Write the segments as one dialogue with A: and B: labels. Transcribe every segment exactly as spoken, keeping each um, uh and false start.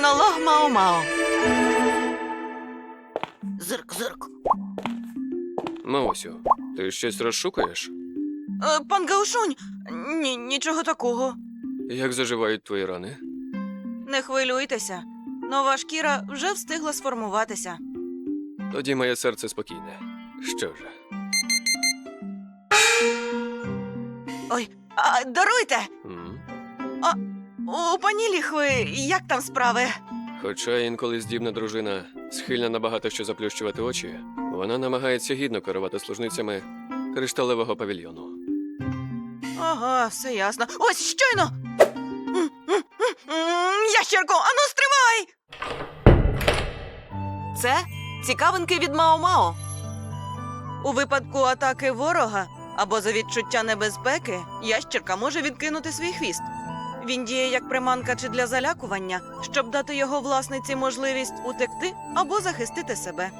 A: Монолог Мао-Мао. Зирк, зирк.
B: Маосю, ти щось розшукуєш?
A: Е, пан Гаошунь, ні, нічого такого.
B: Як заживають твої рани?
A: Не хвилюйтеся. Нова шкіра вже встигла сформуватися.
B: Тоді моє серце спокійне. Що ж,
A: Ой, а, даруйте!
B: м?
A: У пані Ліхви як там справи?
B: Хоча інколи здібна дружина схильна набагато що заплющувати очі, вона намагається гідно керувати служницями кришталевого павільйону.
A: Ага, все ясно. Ось, щойно! М, м, м, м, Ящерко, ану стривай! Це цікавинки від Мао-Мао. У випадку атаки ворога або за відчуття небезпеки, ящерка може відкинути свій хвіст. Він діє як приманка чи для залякування, щоб дати його власниці можливість утекти або захистити себе.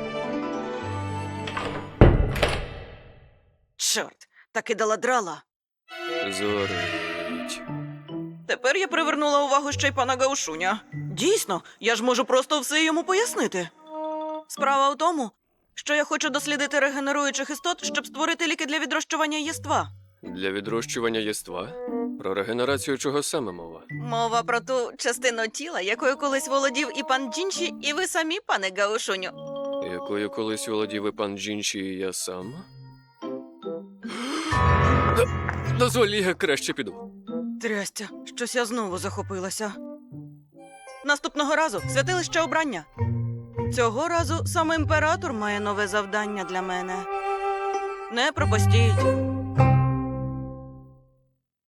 A: Чорт, таки дала драла.
B: Зорить.
A: Тепер я привернула увагу ще й пана Гаошуня. Дійсно, я ж можу просто все йому пояснити. Справа в тому, що я хочу дослідити регенеруючих істот, щоб створити ліки для відрощування єства.
B: Для відрощування єства? Про регенерацію чого саме мова?
A: Мова про ту частину тіла, якою колись володів і пан Джінші, і ви самі, пане Гаошуню.
B: Якою колись володів і пан Джінші, і я сам? Д- Дозволь, я краще піду.
A: Трястя, щось я знову захопилася. Наступного разу святилище обрання. Цього разу саме імператор має нове завдання для мене. Не пропустіть.